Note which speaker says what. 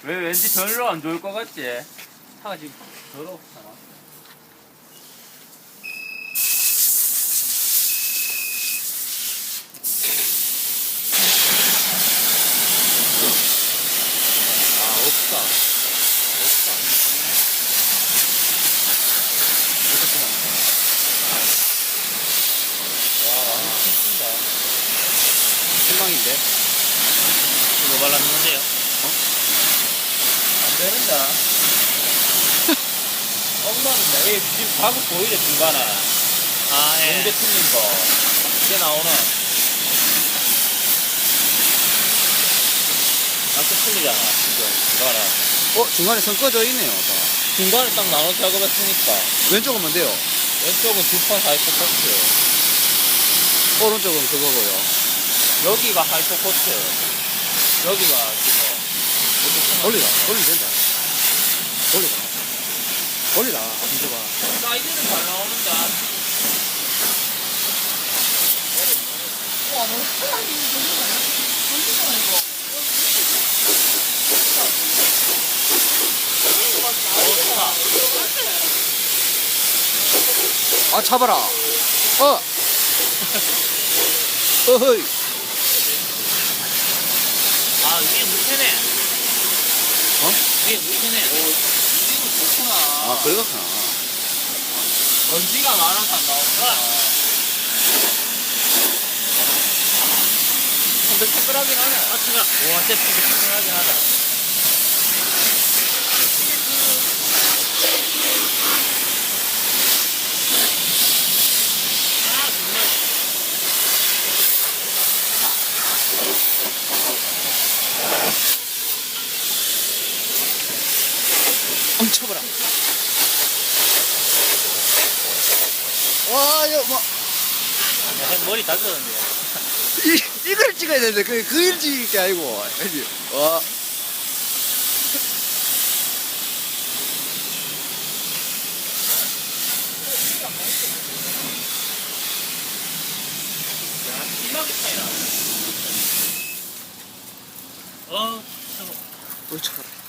Speaker 1: 왜 왠지 별로 안 좋을 것 같지? 차가 지금 더럽잖아. 아, 없다. 없다. 와, 완전 튼튼다.
Speaker 2: 실망인데?
Speaker 3: 이거 발랐는데요?
Speaker 1: 안 되는다. 엉망인다. 이 지금 가구 보이죠, 중간에?
Speaker 3: 아, 예.
Speaker 1: 용대 틀린 거. 이게 나오는. 약간 틀리잖아, 지금. 중간에.
Speaker 2: 중간에 선 꺼져 있네요. 다.
Speaker 1: 중간에 딱 나눠 작업했으니까.
Speaker 2: 왼쪽은 뭔데요?
Speaker 1: 왼쪽은 두판 하이퍼 코트.
Speaker 2: 오른쪽은 그거고요.
Speaker 1: 여기가 하이퍼 코트. 여기가 지금.
Speaker 2: 돌리면 된다. 돌리라. 힘줘봐.
Speaker 1: 사이즈는 잘 나오는데.
Speaker 4: 와, 너무 큰하게 돌리잖아, 이거.
Speaker 2: 아, 잡아라. 어허이.
Speaker 3: 아, 위에 물테네. 위에 물테네.
Speaker 1: 좋구나.
Speaker 2: 아, 그렇구나.
Speaker 1: 먼지가 많아서 안 나오구나. 탱글탱글하긴 하네.
Speaker 3: 아, 차가.
Speaker 1: 와, 진짜 탱글탱글하긴 하다.
Speaker 3: 아, 정말.
Speaker 2: 엉쳐봐라. 와, 이거 뭐,
Speaker 3: 머리 다졌는데.
Speaker 2: 이걸 찍어야 되는데, 그 찍을 게 아니고. 알지? 와.
Speaker 3: 심하게 차이나. 어, 차가.
Speaker 2: 엉쳐봐라.